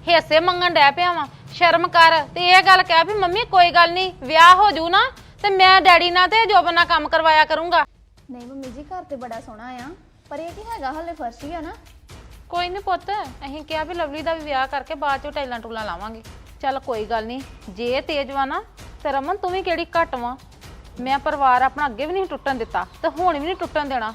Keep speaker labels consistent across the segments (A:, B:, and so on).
A: ਹਿੱਸੇ ਮੰਗਣ ਡੈ ਪਿਆ ਵਾਂ। ਸ਼ਰਮ ਕਰ ਤੇ ਇਹ ਗੱਲ ਕਹਿ ਵੀ ਮੰਮੀ ਕੋਈ ਗੱਲ ਨਹੀਂ, ਵਿਆਹ ਹੋ ਜੂ ਨਾ ਤੇ ਮੈਂ ਡੈਡੀ ਨਾਲ ਤੇ ਜੋਬਨ ਨਾਲ ਕੰਮ ਕਰਵਾਇਆ ਕਰੂੰਗਾ।
B: ਨਹੀਂ ਮੰਮੀ ਜੀ ਘਰ ਤੇ ਬੜਾ ਸੋਹਣਾ ਆ, ਪਰ ਇਹ ਕੀ ਹੈਗਾ ਹਲੇ ਫਰਸ਼ ਹੀ ਆ ਨਾ।
A: ਕੋਈ ਨਹੀਂ ਪੁੱਤ, ਅਸੀਂ ਕਿਹਾ ਵੀ ਲਵਲੀ ਦਾ ਵੀ ਵਿਆਹ ਕਰਕੇ ਬਾਅਦ ਚੋਂ ਟੈਲਾਂ ਟੂਲਾਂ ਲਾਵਾਂਗੇ। ਚੱਲ ਕੋਈ ਗੱਲ ਨਹੀਂ, ਜੇ ਤੇਜ਼ ਵਾ ਨਾ ਤੇ ਰਮਨ ਤੂੰ ਵੀ ਕਿਹੜੀ ਘੱਟ ਵਾ। ਮੈਂ ਪਰਿਵਾਰ ਆਪਣਾ ਅੱਗੇ ਵੀ ਨਹੀਂ ਟੁੱਟਣ ਦਿੱਤਾ ਤੇ ਹੁਣ ਵੀ ਨਹੀਂ ਟੁੱਟਣ ਦੇਣਾ।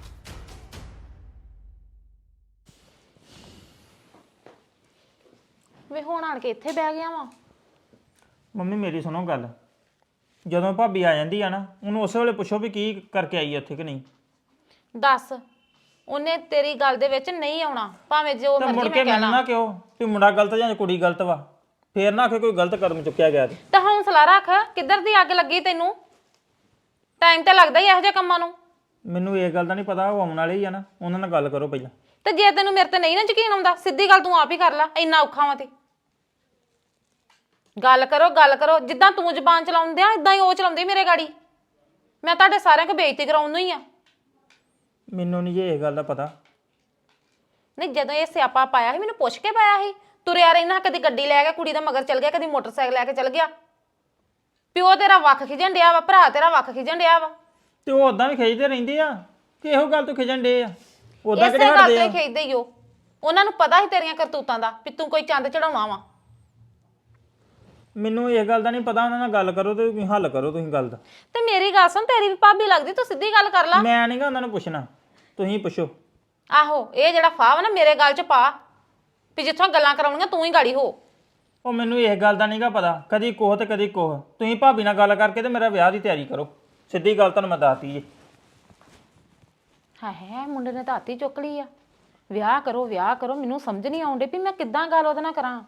A: ਵੇ ਹੁਣ ਆਣ ਕੇ ਇੱਥੇ ਬਹਿ ਗਿਆ ਵਾ।
C: ਮੰਮੀ ਮੇਰੀ ਸੁਣੋ ਗੱਲ, ਜਦੋਂ ਭਾਬੀ ਆ ਜਾਂਦੀ ਆ ਨਾ ਉਹਨੂੰ ਉਸੇ ਵੇਲੇ ਪੁੱਛੋ ਵੀ ਕੀ ਕਰਕੇ ਆਈ ਆ ਉੱਥੇ ਕਿ ਨਹੀਂ।
A: ਦੱਸ, ਉਹਨੇ ਤੇਰੀ ਗੱਲ ਦੇ ਵਿੱਚ ਨਹੀਂ ਆਉਣਾ, ਭਾਵੇਂ ਜੋ
C: ਤਾਂ
A: ਮਰਜ਼ੀ
C: ਮੁੜ
A: ਮੈਂ
C: ਕੇ
A: ਕਹਿ
C: ਮੈਨੂੰ
A: ਲਾਂ।
C: ਨਾ ਕਿਉਂ ਵੀ ਮੁੰਡਾ ਗਲਤ ਜਾਂ ਕੁੜੀ ਗਲਤ ਵਾ, ਫੇਰ ਨਾ ਆਖੇ ਕੋਈ ਗਲਤ ਕਦਮ ਚੁੱਕਿਆ ਗਿਆ ਤੇ।
A: ਤਾਂ ਹੌਸਲਾ ਰੱਖ, ਕਿੱਧਰ ਦੀ ਅੱਗ ਲੱਗੀ ਤੈਨੂੰ? ਟਾਈਮ ਤਾਂ ਲੱਗਦਾ ਹੀ ਇਹੋ ਜਿਹੇ ਕੰਮਾਂ ਨੂੰ।
C: ਮੈਨੂੰ ਇਹ ਗੱਲ ਦਾ ਨਹੀਂ ਪਤਾ, ਉਹ ਆਉਣ ਵਾਲੇ ਹੀ ਆ ਨਾ, ਉਹਨਾਂ ਨਾਲ ਗੱਲ ਕਰੋ ਪਹਿਲਾਂ।
A: ਤੇ ਜੇ ਤੈਨੂੰ ਮੇਰੇ ਤੇ ਨਹੀਂ ਨਾ ਯਕੀਨ ਆਉਂਦਾ, ਸਿੱਧੀ ਗੱਲ ਤੂੰ ਆਪ ਹੀ ਕਰ ਲੈ, ਇੰਨਾ ਔਖਾ ਵਾ ਤੇ। ਗੱਲ ਕਰੋ, ਜਿੱਦਾਂ ਤੂੰ ਜ਼ਬਾਨ ਚਲਾਉਂਦੇ ਆ ਇਦਾਂ ਹੀ ਉਹ ਚਲਾਉਂਦੇ ਮੇਰੇ ਗਾੜੀ। ਮੈਂ ਤੁਹਾਡੇ ਸਾਰਿਆਂ ਕੋ ਬੇਇੱਜ਼ਤੀ ਕਰਾਉਣ ਨੂੰ ਹੀ ਆ।
C: ਮੈਨੂੰ ਨਹੀਂ ਜੇ ਇਹ ਗੱਲ ਦਾ ਪਤਾ।
A: ਨਹੀਂ, ਜਦੋਂ ਇਹ ਸਿਆਪਾ ਪਾਇਆ ਸੀ ਮੈਨੂੰ ਪੁੱਛ ਕੇ ਪਾਇਆ ਸੀ। ਤੁਰਿਆ ਰਹਿਣਾ, ਕਦੀ ਗੱਡੀ ਲੈ ਕੇ ਕੁੜੀ ਦਾ ਮਗਰ ਚੱਲ ਗਿਆ, ਕਦੀ ਮੋਟਰਸਾਈਕਲ ਲੈ ਕੇ ਚੱਲ ਗਿਆ। ਪਿਓ ਤੇਰਾ ਵੱਖ ਖਿਜਣ ਡਿਆ ਵਾ, ਭਰਾ ਤੇਰਾ ਵੱਖ ਖਿਜਣ ਡਿਆ ਵਾ।
C: ਤੇ ਉਹ ਉਦਾਂ ਵੀ ਖਿੱਚਦੇ ਰਹਿੰਦੇ ਆ ਕਿ ਇਹੋ ਗੱਲ ਤੋਂ ਖਿਜਣ ਡੇ ਆ, ਉਦਾਂ
A: ਇਸੇ
C: ਕਿਹੜੇ
A: ਗੱਲ
C: ਹਟਦੇ
A: ਤੇ
C: ਆ।
A: ਖਿੱਚਦੇ ਹੀ ਉਹ। ਉਹਨਾਂ ਨੂੰ ਪਤਾ ਸੀ ਤੇਰੀਆਂ ਕਰਤੂਤਾਂ ਦਾ ਵੀ ਤੂੰ ਕੋਈ ਚੰਦ ਚੜਾਉਣਾ ਵਾ।
C: ਮੈਨੂੰ ਇਹ ਗੱਲ ਦਾ ਨਹੀਂ ਪਤਾ, ਉਹਨਾਂ ਨਾਲ ਗੱਲ ਕਰੋ ਤੇ ਤੁਸੀਂ ਹੱਲ ਕਰੋ ਤੁਸੀਂ ਗੱਲ ਦਾ।
A: ਤੇ ਮੇਰੀ ਗੱਲ ਸੁਣ, ਤੇਰੀ ਵੀ ਭਾਬੀ ਲੱਗਦੀ, ਤੂੰ ਸਿੱਧੀ ਗੱਲ ਕਰ ਲਾ।
C: ਮੈਂ ਨਹੀਂਗਾ ਉਹਨਾਂ ਨੂੰ ਪੁੱਛਣਾ, ਤੁਸੀਂ ਪੁੱਛੋ।
A: ਆਹੋ, ਇਹ ਜਿਹੜਾ ਫਾਹ ਵਾ ਨਾ ਮੇਰੇ ਗੱਲ 'ਚ ਪਾ ਵੀ ਜਿੱਥੋਂ ਗੱਲਾਂ ਕਰਾਉਣੀਆਂ ਤੂੰ ਹੀ ਗਾੜੀ ਹੋ।
C: ਉਹ ਮੈਨੂੰ ਇਹ ਗੱਲ ਦਾ ਨਹੀਂਗਾ ਪਤਾ, ਕਦੀ ਕੋਹ ਤੇ ਕਦੀ ਕੋਹ। ਤੁਸੀਂ ਭਾਬੀ ਨਾਲ ਗੱਲ ਕਰਕੇ ਤੇ ਮੇਰਾ ਵਿਆਹ ਦੀ ਤਿਆਰੀ ਕਰੋ, ਸਿੱਧੀ ਗੱਲ ਤੁਹਾਨੂੰ ਮੈਂ ਦੱਸਤੀ ਜੀ।
A: ਹੈ ਮੁੰਡੇ ਨੇ ਤਾਂ ਹੱਥੀ ਚੁੱਕ ਲਈ ਆ। ਵਿਆਹ ਕਰੋ, ਮੈਨੂੰ ਸਮਝ ਨਹੀਂ ਆਉਂਦੀ ਵੀ ਮੈਂ ਕਿੱਦਾਂ ਗੱਲ ਉਹਦੇ ਨਾਲ ਕਰਾਂ।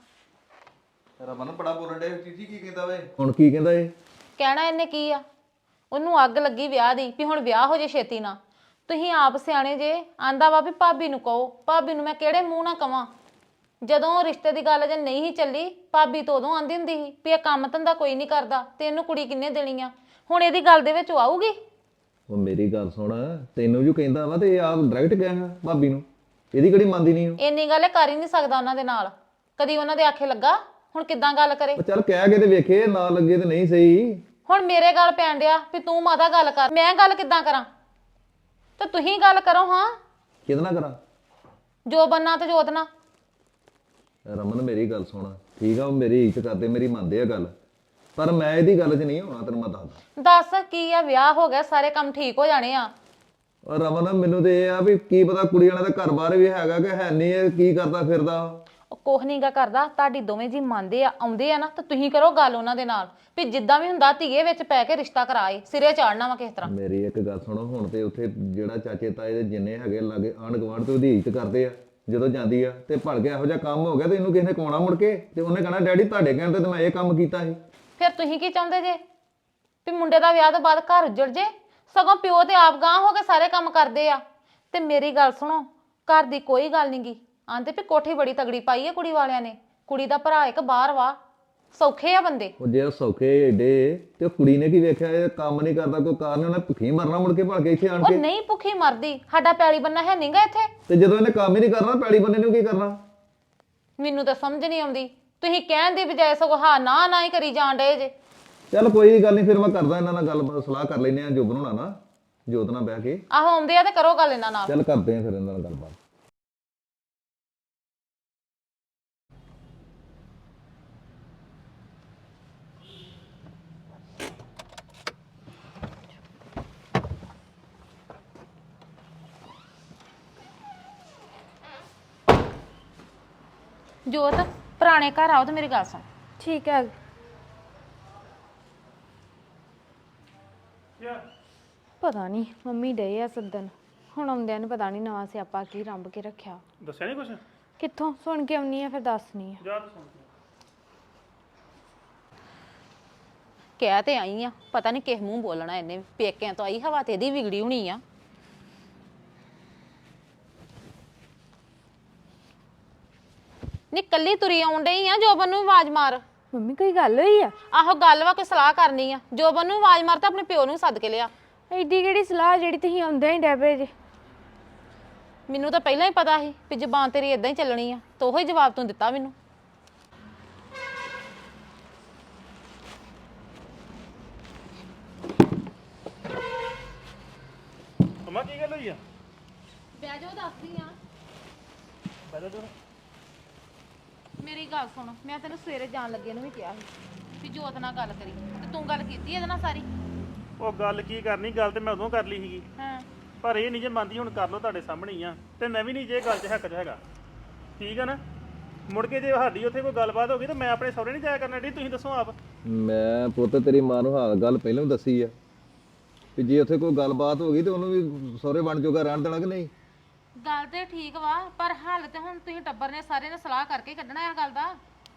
D: ਰਮਨ ਬੜਾ ਬੋਲਣ ਡੇ ਚੀਚੀ ਕੀ ਕਹਿੰਦਾ ਵੇ? ਹੁਣ ਕੀ ਕਹਿੰਦਾ ਏ?
A: ਕਹਿਣਾ ਇਹਨੇ ਕੀ ਆ, ਉਹਨੂੰ ਅੱਗ ਲੱਗੀ ਵਿਆਹ ਦੀ ਵੀ ਹੁਣ ਵਿਆਹ ਹੋ ਜੇ ਛੇਤੀ ਨਾ। ਤੁਸੀਂ ਆਪ ਸਿਆਣੇ ਜੇ, ਆਂਦਾ ਵਾ ਵੀ ਭਾਬੀ ਨੂੰ ਕਹੋ। ਭਾਬੀ ਨੂੰ ਮੈਂ ਕਿਹੜੇ ਮੂੰਹ ਨਾਲ ਕਵਾਂ? ਜਦੋਂ ਰਿਸ਼ਤੇ ਦੀ ਗੱਲ ਜੇ ਨਹੀਂ ਸੀ ਚੱਲੀ, ਭਾਬੀ ਤੋਂ ਉਦੋਂ ਆਂਦੀ ਹੁੰਦੀ ਸੀ ਵੀ ਇਹ ਕੰਮ ਧੰਦਾ ਕੋਈ ਨਹੀਂ ਕਰਦਾ ਤੇ ਇਹਨੂੰ ਕੁੜੀ ਕਿੰਨੇ ਦੇਣੀ ਆ। ਹੁਣ ਇਹਦੀ ਗੱਲ ਦੇ ਵਿੱਚ ਉਹ ਆਊਗੀ?
D: ਉਹ ਮੇਰੀ ਗੱਲ ਸੁਣ, ਤੈਨੂੰ ਜੋ ਕਹਿੰਦਾ ਵਾ ਤੇ ਆਪ ਡਾਇਰੈਕਟ ਗਿਆ ਭਾਬੀ ਨੂੰ, ਇਹਦੀ ਕਿਹੜੀ ਮੰਨਦੀ ਨਹੀਂ ਉਹ।
A: ਇੰਨੀ ਗੱਲ ਇਹ ਕਰ ਹੀ ਨਹੀਂ ਸਕਦਾ ਉਹਨਾਂ ਦੇ ਨਾਲ, ਕਦੀ ਉਹਨਾਂ ਦੇ ਆਖੇ ਲੱਗਾ। ਹੁਣ ਕਿੱਦਾਂ ਗੱਲ ਕਰੇ?
D: ਉਹ ਚੱਲ ਕਹਿ ਕੇ ਤੇ ਵੇਖੇ, ਨਾ ਲੱਗੇ ਤੇ ਨਹੀਂ ਸਹੀ।
A: ਹੁਣ ਮੇਰੇ ਗੱਲ ਪੈਣ ਡਿਆ ਵੀ ਤੂੰ ਮਾਤਾ ਗੱਲ ਕਰ, ਮੈਂ ਗੱਲ ਕਿੱਦਾਂ ਕਰਾਂ? ਤੇ ਤੁਸੀਂ ਗੱਲ ਕਰੋ। ਹਾਂ,
D: ਕਿਹਦੇ ਨਾਲ ਕਰਾਂ?
A: ਜੋ ਬੰਨਾ ਤੇ ਜੋਤ ਨਾ।
D: ਰਮਨ ਮੇਰੀ ਗੱਲ ਸੁਣ, ਠੀਕ ਆ, ਉਹ ਮੇਰੀ ਇੱਜ਼ਤ ਕਰਦੇ, ਮੇਰੀ ਮੰਨਦੇ ਆ ਗੱਲ, ਪਰ ਮੈਂ ਇਹਦੀ ਗੱਲ 'ਚ ਨਹੀਂ ਹੋਣਾ, ਤੈਨੂੰ ਮੈਂ ਦੱਸਦਾ।
A: ਦੱਸ ਕੀ ਆ, ਵਿਆਹ ਹੋ ਗਿਆ, ਸਾਰੇ ਕੰਮ ਠੀਕ ਹੋ ਜਾਣੇ ਆ।
D: ਔਰ ਰਮਨ ਮੈਨੂੰ ਤੇ ਇਹ ਆ ਵੀ ਕੀ ਪਤਾ ਕੁੜੀ ਵਾਲਾ ਦਾ ਘਰ-ਬਾਰ ਵੀ ਹੈਗਾ ਕਿ ਹੈ ਨਹੀਂ, ਇਹ ਕੀ ਕਰਦਾ ਫਿਰਦਾ।
A: ਉਹ ਕੁਛ ਨੀ ਗਾ ਕਰਦਾ, ਤੁਹਾਡੀ ਦੋਵੇਂ ਜੀ ਮੰਨਦੇ ਆ, ਆਉਂਦੇ ਆ ਨਾ, ਤਾਂ ਤੁਸੀਂ ਕਰੋ ਗੱਲ ਉਹਨਾਂ ਦੇ ਨਾਲ ਵੀ ਜਿੱਦਾਂ ਵੀ ਹੁੰਦਾ ਧੀਏ ਵਿੱਚ ਪੈ ਕੇ ਰਿਸ਼ਤਾ ਕਰਾਏ, ਸਿਰੇ ਚਾੜਨਾ ਵਾ ਕਿਸ ਤਰ੍ਹਾਂ।
D: ਮੇਰੀ ਇੱਕ ਗੱਲ ਸੁਣੋ, ਹੁਣ ਤੇ ਉੱਥੇ ਜਿਹੜਾ ਚਾਚੇ ਤਾਏ ਦੇ ਜਿੰਨੇ ਹੈਗੇ ਲਾਗੇ ਆਂਢ ਗੁਆਂਢ ਤੇ ਉਹਦੀ ਇੱਜ਼ਤ ਕਰਦੇ ਆ। ਜਦੋਂ ਜਾਂਦੀ ਆ ਤੇ ਭੜ ਕੇ ਇਹੋ ਜਿਹਾ ਕੰਮ ਹੋ ਗਿਆ ਤੇ ਇਹਨੂੰ ਕਿਸੇ ਨੇ ਕਵਾਉਣਾ ਮੁੜ ਕੇ, ਤੇ ਉਹਨੇ ਕਹਣਾ ਡੈਡੀ ਤੁਹਾਡੇ ਕਹਿਣ ਤੇ ਮੈਂ ਇਹ ਕੰਮ ਕੀਤਾ ਸੀ।
A: ਫਿਰ ਤੁਸੀਂ ਕੀ ਚਾਹੁੰਦੇ ਜੇ? ਵੀ ਮੁੰਡੇ ਦਾ ਵਿਆਹ ਤੋਂ ਬਾਅਦ ਘਰ ਉੱਜੜ ਜੇ? ਸਗੋਂ ਪਿਓ ਤੇ ਆਪ ਗਾਂਹ ਹੋ ਕੇ ਸਾਰੇ ਕੰਮ ਕਰਦੇ ਆ। ਤੇ ਮੇਰੀ ਗੱਲ ਸੁਣੋ, ਘਰ ਦੀ ਕੋਈ ਗੱਲ ਨੀ ਗੀ, ਆਂਦੇ ਵੀ ਕੋਠੀ ਬੜੀ ਤਗੜੀ ਪਾਈ ਹੈ ਕੁੜੀ ਵਾਲਿਆਂ ਨੇ। ਕੁੜੀ ਦਾ ਭਰਾ ਇੱਕ ਬਾਹਰ ਵਾ, ਸੌਖੇ ਆ ਬੰਦੇ।
D: ਉਹ ਜੇ ਸੌਖੇ ਏਡੇ ਤੇ ਉਹ ਕੁੜੀ ਨੇ ਕੀ ਵੇਖਿਆ, ਇਹ ਕੰਮ ਨਹੀਂ ਕਰਦਾ ਕੋਈ ਕਾਰਨ, ਉਹਨੇ ਭੁੱਖੀ ਮਰਨਾ ਮੁੜ ਕੇ ਭੜ ਕੇ ਇੱਥੇ ਆਣ
A: ਉਹ
D: ਕੇ।
A: ਨਹੀਂ ਭੁੱਖੀ ਮਰਦੀ, ਸਾਡਾ ਪੈਲੀ ਬੰਨਾ ਹੈ ਨਹੀਂਗਾ ਇੱਥੇ।
D: ਤੇ ਜਦੋਂ ਇਹਨੇ ਕੰਮ ਹੀ ਨਹੀਂ ਕਰਨਾ, ਪੈਲੀ ਬੰਨੇ ਨੂੰ ਕੀ ਕਰਨਾ?
A: ਮੈਨੂੰ ਤਾਂ ਸਮਝ ਨਹੀਂ ਆਉਂਦੀ, ਤੁਸੀਂ ਕਹਿਣ ਦੀ ਬਜਾਏ ਸਗੋਂ ਹਾਂ ਨਾ ਨਾ ਹੀ ਕਰੀ ਜਾਣ ਡਏ ਜੇ।
D: ਚੱਲ ਕੋਈ ਗੱਲ ਨਹੀਂ, ਫਿਰ ਮੈਂ ਕਰਦਾ ਇਹਨਾਂ ਨਾਲ ਗੱਲ, ਸਲਾਹ ਕਰ ਲੈਨੇ ਆ, ਜੋ ਬਣਾਉਣਾ ਨਾ ਜੋਤ ਨਾਲ ਬਹਿ ਕੇ।
A: ਆਹੋ ਆਉਂਦੇ ਆ ਤੇ ਕਰੋ ਗੱਲ ਇਹਨਾਂ ਨਾਲ।
D: ਚੱਲ ਕਰਦੇ ਆ ਫਿਰ ਇਹਨਾਂ ਨਾਲ ਗੱਲਬਾਤ।
A: ਜੋਤ, ਪੁਰਾਣੇ ਘਰ ਆਓ ਤੇ ਮੇਰੀ ਗੱਲ ਸੁਣ।
B: ਠੀਕ ਹੈ। ਪਤਾ ਨਹੀਂ ਮੰਮੀ ਡੇ ਆ ਸੱਦਣ, ਹੁਣ ਆਉਂਦਿਆਂ ਨੂੰ ਪਤਾ ਨਹੀਂ ਨਵਾਂ ਸਿਆਪਾ ਕੀ ਰੰਭ ਕੇ ਰੱਖਿਆ।
C: ਦੱਸਿਆ ਨਹੀਂ ਕੁਛ?
B: ਕਿੱਥੋਂ ਸੁਣ ਕੇ ਆਉਣੀ ਆ, ਫਿਰ ਦੱਸਣੀ ਆ।
C: ਜਾ ਸੁਣ।
A: ਕਹਿ ਤੇ ਆਈ ਆ, ਪਤਾ ਨਹੀਂ ਕਿਸ ਮੂੰਹ ਬੋਲਣਾ ਇਹਨੇ। ਪੇਕਿਆਂ ਤੋਂ ਆਈ, ਹਵਾ ਤੇ ਇਹਦੀ ਵਿਗੜੀ ਹੋਣੀ ਆ। ਨੀ ਕੱਲੀ ਤੁਰੀ ਆਉਣ ਡਈ ਆ, ਜੋਬਨ ਨੂੰ ਆਵਾਜ਼ ਮਾਰ।
B: ਮੰਮੀ ਕੋਈ ਗੱਲ ਹੋਈ ਆ?
A: ਆਹੋ ਗੱਲ ਵਾ, ਕੋਈ ਸਲਾਹ ਕਰਨੀ ਆ। ਜੋਬਨ ਨੂੰ ਆਵਾਜ਼ ਮਾਰ ਤੇ ਆਪਣੇ ਪਿਓ ਨੂੰ ਸੱਦ ਕੇ ਲਿਆ।
B: ਐਡੀ ਕਿਹੜੀ ਸਲਾਹ ਜਿਹੜੀ ਤੁਸੀਂ ਆਉਂਦੇ ਹੀ ਡੈਬੇ ਜੇ?
A: ਮੈਨੂੰ ਤਾਂ ਪਹਿਲਾਂ ਹੀ ਪਤਾ ਸੀ ਵੀ ਜ਼ਬਾਨ ਤੇਰੀ ਇਦਾਂ ਹੀ ਚੱਲਣੀ ਆ, ਤੇ ਉਹੀ ਜਵਾਬ ਤੂੰ ਦਿੱਤਾ ਮੈਨੂੰ।
E: ਅਮਾ ਕੀ ਗੱਲ ਹੋਈ ਆ
A: ਬਹਿ ਜਾਓ ਦੱਸਦੀ ਆ
E: ਬੈਠੋ ਤੂੰ
A: ਮੇਰੀ ਗੱਲ ਸੁਣ ਮੈਂ ਤੈਨੂੰ ਸਵੇਰੇ ਜਾਣ ਲੱਗੇ ਨੂੰ ਵੀ ਕਿਹਾ ਸੀ ਵੀ ਜੋਤ ਨਾਲ ਗੱਲ ਕਰੀ ਤੇ ਤੂੰ ਗੱਲ ਕੀਤੀ ਇਹਦੇ ਨਾਲ ਸਾਰੀ
E: ਉਹ ਗੱਲ ਕੀ ਕਰਨੀ ਗੱਲ ਤੇ ਮੈਂ ਉਦੋਂ ਕਰ ਲਈ ਸੀਗੀ
A: ਹਾਂ
E: ਪਰ ਇਹ ਨਹੀਂ ਜੇ ਮੰਨਦੀ ਹੁਣ ਕਰ ਲਓ ਤੁਹਾਡੇ ਸਾਹਮਣੇ ਹੀ ਆ ਤੇ ਮੈਂ ਵੀ ਨਹੀਂ ਜੇ ਗੱਲ 'ਚ ਹੱਕ 'ਚ ਹੈਗਾ ਠੀਕ ਆ ਨਾ ਮੁੜ ਕੇ ਜੇ ਸਾਡੀ ਉੱਥੇ ਕੋਈ ਗੱਲਬਾਤ ਹੋ ਗਈ ਤਾਂ ਮੈਂ ਆਪਣੇ ਸਹੁਰੇ ਨਹੀਂ ਜਾਇਆ ਕਰਨਾ ਡੀ ਤੁਸੀਂ ਦੱਸੋ ਆਪ
D: ਮੈਂ ਪੁੱਤ ਤੇਰੀ ਮਾਂ ਨੂੰ ਹਾਲ ਗੱਲ ਪਹਿਲਾਂ ਵੀ ਦੱਸੀ ਆ ਕਿ ਜੇ ਉੱਥੇ ਕੋਈ ਗੱਲਬਾਤ ਹੋ ਗਈ ਤੇ ਉਹਨੂੰ ਵੀ ਸਹੁਰੇ ਬਣ ਜੋਗਾ ਰਹਿਣ ਦੇਣਾ ਕਿ ਨਹੀਂ
A: ਗੱਲ ਤੇ ਠੀਕ ਵਾ ਪਰ ਹੱਲ ਤੇ ਹੁਣ ਤੁਸੀਂ ਟੱਬਰ ਨੇ ਸਾਰੇ ਨੇ ਸਲਾਹ ਕਰਕੇ ਕੱਢਣਾ ਇਹ ਗੱਲ ਦਾ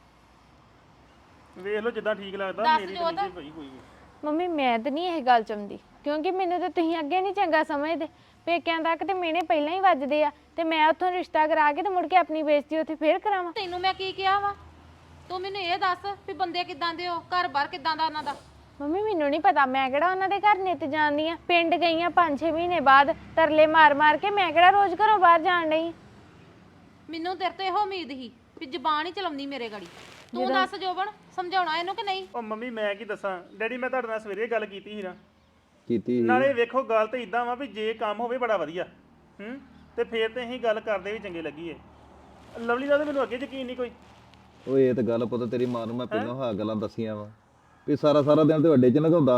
E: ਵੇਖ ਲਓ ਜਿੱਦਾਂ ਠੀਕ ਲੱਗਦਾ
A: ਦੱਸ
E: ਮੇਰੀ
A: ਜੋਤ।
E: ਤਾਂ ਨਹੀਂ ਪਈ ਕੋਈ ਵੀ
B: ਮੰਮੀ ਮੈਂ ਤਾਂ ਨਹੀਂ ਇਹ ਗੱਲ ਚਾਹੁੰਦੀ ਕਿਉਂਕਿ ਮੈਨੂੰ ਤਾਂ ਤੁਸੀਂ ਅੱਗੇ ਨਹੀਂ ਚੰਗਾ ਸਮਝਦੇ ਪੇਕਿਆਂ ਤੱਕ ਤੇ ਮੇਨੇ ਪਹਿਲਾਂ ਹੀ ਵੱਜਦੇ ਆ ਤੇ ਮੈਂ ਉੱਥੋਂ ਰਿਸ਼ਤਾ ਕਰਾ ਕੇ ਤੇ ਮੁੜ ਕੇ ਆਪਣੀ ਬੇਇੱਜ਼ਤੀ ਉੱਥੇ ਫੇਰ ਕਰਾਵਾਂ
A: ਤੈਨੂੰ ਮੈਂ ਕੀ ਕਿਹਾ ਵਾ ਤੂੰ ਮੈਨੂੰ ਇਹ ਦੱਸ ਵੀ ਬੰਦੇ ਕਿੱਦਾਂ ਦੇ ਹੋ ਘਰ-ਬਾਰ ਕਿੱਦਾਂ ਦਾ ਉਹਨਾਂ ਦਾ
B: ਮੰਮੀ ਮੈਨੂੰ ਨਹੀਂ ਪਤਾ ਮੈਂ ਕਿਹੜਾ ਉਹਨਾਂ ਦੇ ਘਰ ਨਿੱਤ ਜਾਂਦੀ ਆ ਪਿੰਡ ਗਈ ਆ 5-6 ਮਹੀਨੇ ਬਾਅਦ ਤਰਲੇ ਮਾਰ-ਮਾਰ ਕੇ ਮੈਂ ਕਿਹੜਾ ਰੋਜ਼ ਘਰੋਂ ਬਾਹਰ ਜਾਣ ਡਈ
A: ਮੈਨੂੰ ਤੇਰੇ ਤੋਂ ਇਹੋ ਉਮੀਦ ਸੀ ਵੀ ਜ਼ਬਾਨ ਹੀ ਚਲਾਉਂਦੀ ਮੇਰੇ ਗਾੜੀ ਤੂੰ ਦੱਸ ਜੋਬਨ ਸਮਝਾਉਣਾ ਇਹਨੂੰ ਕਿ ਨਹੀਂ
E: ਉਹ ਮੰਮੀ ਮੈਂ ਕੀ ਦੱਸਾਂ ਡੈਡੀ ਮੈਂ ਤੁਹਾਡੇ ਨਾਲ ਸਵੇਰੇ ਗੱਲ ਕੀਤੀ ਸੀ ਨਾ
D: ਕੀਤੀ ਸੀ।
E: ਨਾਲੇ ਵੇਖੋ ਗੱਲ ਤੇ ਇਦਾਂ ਵਾ ਵੀ ਜੇ ਕੰਮ ਹੋਵੇ ਬੜਾ ਵਧੀਆ ਤੇ ਫੇਰ ਤੇ ਅਸੀਂ ਗੱਲ ਕਰਦੇ ਵੀ ਚੰਗੇ ਲੱਗੀਏ ਲਵਲੀ ਦਾ ਤਾਂ ਮੈਨੂੰ ਅੱਗੇ ਯਕੀਨ ਨਹੀਂ ਕੋਈ
D: ਓਏ ਇਹ ਤਾਂ ਗੱਲ ਪੁੱਤ ਤੇਰੀ ਮਾਂ ਨੂੰ ਮੈਂ ਪਹਿਲਾਂ ਹਾਂ ਗੱਲਾਂ ਦੱਸੀਆਂ ਵਾ ਵੀ ਸਾਰਾ ਦਿਨ ਤੇ ਵੱਡੇ ਚ ਲਗਾਉਂਦਾ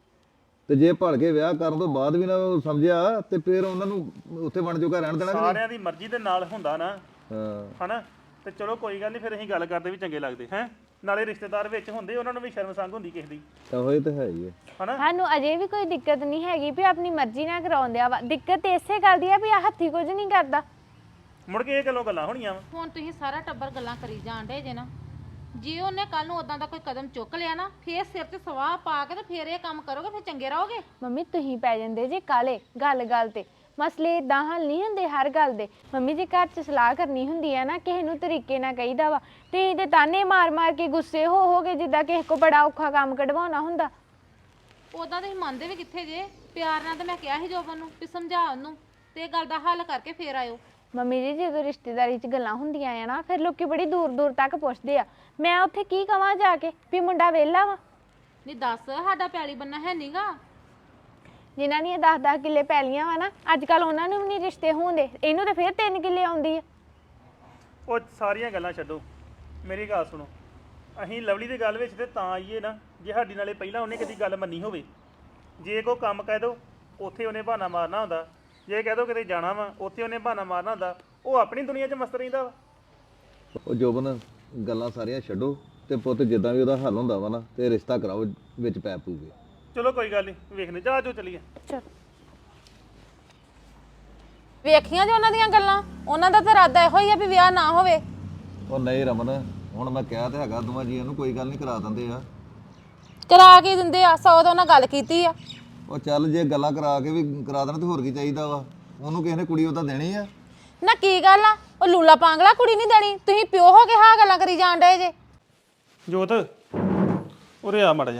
D: ਤੇ ਜੇ ਭੜ ਕੇ ਵਿਆਹ ਕਰਨ ਤੋਂ ਬਾਅਦ ਵੀ ਨਾ ਉਹ ਸਮਝਿਆ ਤੇ ਫਿਰ ਉਹਨਾਂ ਨੂੰ ਉੱਥੇ ਬਣ ਜੋਗਾ ਰਹਿਣ ਦੇਣਾ ਕਿ ਨਹੀਂ?
E: ਸਾਰਿਆਂ ਦੀ ਮਰਜ਼ੀ ਦੇ ਨਾਲ ਹੁੰਦਾ ਨਾ
D: ਹਾਂ
E: ਹਨਾ ਤੇ ਚਲੋ ਕੋਈ ਗੱਲ ਨਹੀਂ ਫਿਰ ਅਸੀਂ ਗੱਲ ਕਰਦੇ ਵੀ ਚੰਗੇ ਲੱਗਦੇ ਹੈ ਨਾਲੇ ਰਿਸ਼ਤੇਦਾਰ ਵਿੱਚ ਹੁੰਦੇ ਉਹਨਾਂ ਨੂੰ ਵੀ ਸ਼ਰਮ ਸੰਗ ਹੁੰਦੀ ਕਿਸੇ ਦੀ
D: ਤਾਂ ਹੋਏ ਤਾਂ ਹੈ ਹੀ ਹੈ
E: ਹਨਾ
B: ਸਾਨੂੰ ਅਜੇ ਵੀ ਕੋਈ ਦਿੱਕਤ ਨਹੀਂ ਹੈਗੀ ਵੀ ਆਪਣੀ ਮਰਜ਼ੀ ਨਾਲ ਕਰਾਉਂਦੇ ਆ ਵਾ ਦਿੱਕਤ ਤੇ ਇਸੇ ਗੱਲ ਦੀ ਆ ਵੀ ਆ ਹੱਥੀ ਕੁਝ ਨਹੀਂ ਕਰਦਾ
E: ਮੁੜ ਕੇ ਇਹ ਗੱਲਾਂ ਹੋਣੀਆਂ ਵਾ
A: ਹੁਣ ਤੁਸੀਂ ਸਾਰਾ ਟੱਬਰ ਗੱਲਾਂ ਕਰੀ ਜਾਣ ਡੇ ਜੇ ਨਾ ਜੇ ਉਹਨੇ ਕੱਲ ਨੂੰ ਉਦਾਂ ਦਾ ਕੋਈ ਕਦਮ ਚੁੱਕ ਲਿਆ ਨਾ ਫੇਰ ਸਿਰ ਤੇ ਸਵਾਹ ਪਾ ਕੇ ਤੇ ਫੇਰ ਇਹ ਕੰਮ ਕਰੋਗੇ ਫੇਰ ਚੰਗੇ ਰਹੋਗੇ
B: ਮੰਮੀ ਤੁਸੀਂ ਪੈ ਜਾਂਦੇ ਜੇ ਕਾਲੇ ਗੱਲ ਤੇ ਮਸਲੇ ਇਦਾਂ ਹੱਲ ਨਹੀਂ ਹੁੰਦੇ ਹਰ ਗੱਲ ਦੇ ਮੰਮੀ ਜੀ ਘਰ 'ਚ ਸਲਾਹ ਕਰਨੀ ਹੁੰਦੀ ਹੈ ਨਾ ਕਿਸੇ ਨੂੰ ਤਰੀਕੇ ਨਾਲ ਕਹੀਦਾ ਵਾ ਤੇ ਇਹਦੇ ਤਾਨੇ ਮਾਰ ਕੇ ਗੁੱਸੇ ਹੋ ਕੇ ਜਿੱਦਾਂ ਕਿਸੇ ਕੋ ਬੜਾ ਔਖਾ ਕੰਮ ਕਢਵਾਉਣਾ ਹੁੰਦਾ
A: ਉਦਾਂ ਤੁਸੀਂ ਮੰਨਦੇ ਵੀ ਕਿੱਥੇ ਜੇ ਪਿਆਰ ਨਾਲ ਤਾਂ ਮੈਂ ਕਿਹਾ ਸੀ ਜੋਬਨ ਨੂੰ ਵੀ ਸਮਝਾ ਉਹਨੂੰ ਤੇ ਇਹ ਗੱਲ ਦਾ ਹੱਲ ਕਰਕੇ ਫੇਰ ਆਇਓ
B: ਮੰਮੀ ਜੀ ਜਦੋਂ ਰਿਸ਼ਤੇਦਾਰੀ 'ਚ ਗੱਲਾਂ ਹੁੰਦੀਆਂ ਆ ਨਾ ਫਿਰ ਲੋਕੀ ਬੜੀ ਦੂਰ ਤੱਕ ਪੁੱਛਦੇ ਆ ਮੈਂ ਉੱਥੇ ਕੀ ਕਵਾਂ ਜਾ ਕੇ ਵੀ ਮੁੰਡਾ ਵਿਹਲਾ ਵਾ
A: ਨਹੀਂ ਦੱਸ ਸਾਡਾ ਪੈਲੀ ਬੰਨਾ ਹੈ ਨੀਗਾ
B: ਜਿਨ੍ਹਾਂ ਦੀਆਂ 10-10 ਕਿੱਲੇ ਪੈਲੀਆਂ ਵਾ ਨਾ ਅੱਜ ਕੱਲ ਉਹਨਾਂ ਨੂੰ ਵੀ ਨਹੀਂ ਰਿਸ਼ਤੇ ਹੁੰਦੇ ਇਹਨੂੰ ਤੇ ਫਿਰ 3 ਕਿੱਲੇ ਆਉਂਦੀ ਆ
E: ਉਹ ਸਾਰੀਆਂ ਗੱਲਾਂ ਛੱਡੋ ਮੇਰੀ ਗੱਲ ਸੁਣੋ ਅਸੀਂ ਲਵਲੀ ਦੀ ਗੱਲ ਵਿੱਚ ਤੇ ਤਾਂ ਆਈਏ ਨਾ ਜੇ ਸਾਡੀ ਨਾਲੇ ਪਹਿਲਾਂ ਉਹਨੇ ਕਦੀ ਗੱਲ ਮੰਨੀ ਹੋਵੇ ਜੇ ਕੋਈ ਕੰਮ ਕਹਿ ਦੋ ਉੱਥੇ ਉਹਨੇ ਬਹਾਨਾ ਮਾਰਨਾ ਹੁੰਦਾ ਜੇ ਕਹਿ ਦੋ ਕਿਤੇ ਜਾਣਾ ਵਾ ਉੱਥੇ ਉਹਨੇ ਬਹਾਨਾ ਮਾਰਨਾ ਹੁੰਦਾ ਉਹ ਆਪਣੀ ਦੁਨੀਆ 'ਚ ਮਸਤ ਰਹਿੰਦਾ ਵਾ
D: ਉਹ ਜੋਬਨ ਗੱਲਾਂ ਸਾਰੀਆਂ ਛੱਡੋ ਤੇ ਪੁੱਤ ਜਿੱਦਾਂ ਵੀ ਉਹਦਾ ਹੱਲ ਹੁੰਦਾ ਵਾ ਨਾ ਤੇ ਰਿਸ਼ਤਾ ਕਰਾਓ ਵਿੱਚ ਪੈ ਪੂਗੇ
E: ਚਲੋ ਕੋਈ ਗੱਲ ਨਹੀਂ ਵੇਖਨੇ ਜਾ ਜੋ ਚਲੀਏ
B: ਚਲ
A: ਵੇਖੀਆਂ ਜੇ ਉਹਨਾਂ ਦੀਆਂ ਗੱਲਾਂ ਉਹਨਾਂ ਦਾ ਤਾਂ ਇਰਾਦਾ ਇਹੋ ਹੀ ਆ ਵੀ ਵਿਆਹ ਨਾ ਹੋਵੇ
D: ਉਹ ਨਹੀਂ ਰਮਨ ਹੁਣ ਮੈਂ ਕਿਹਾ ਤੇ ਹੈਗਾ ਦੋਵਾਂ ਜੀਆਂ ਨੂੰ ਕੋਈ ਗੱਲ ਨਹੀਂ ਕਰਾ ਦਿੰਦੇ ਆ
A: ਕਰਾ ਕੇ ਦਿੰਦੇ ਆ 100 ਤਾਂ ਉਹਨਾਂ ਗੱਲ ਕੀਤੀ ਆ
D: ਉਹ ਚੱਲ ਜੇ ਗੱਲਾਂ ਕਰਾ ਕੇ ਵੀ ਕਰਾ ਦੇਣ ਤੇ ਹੋਰ ਕੀ ਚਾਹੀਦਾ ਵਾ ਉਹਨੂੰ ਕਿਸੇ ਨੇ ਕੁੜੀ ਉਹਦਾ ਦੇਣੀ ਆ
A: ਨਾ ਕੀ ਗੱਲ ਆ ਉਹ ਲੂਲਾ ਪਾਂਗਲਾ ਕੁੜੀ ਨਹੀਂ ਦੇਣੀ ਤੁਸੀਂ ਪਿਓ ਹੋ ਕੇ ਹਾਂ ਗੱਲਾਂ ਕਰੀ ਜਾਣ ਡਏ ਜੇ
E: ਜੋਤ ਉਰੇ ਆ ਮੜ ਜਾ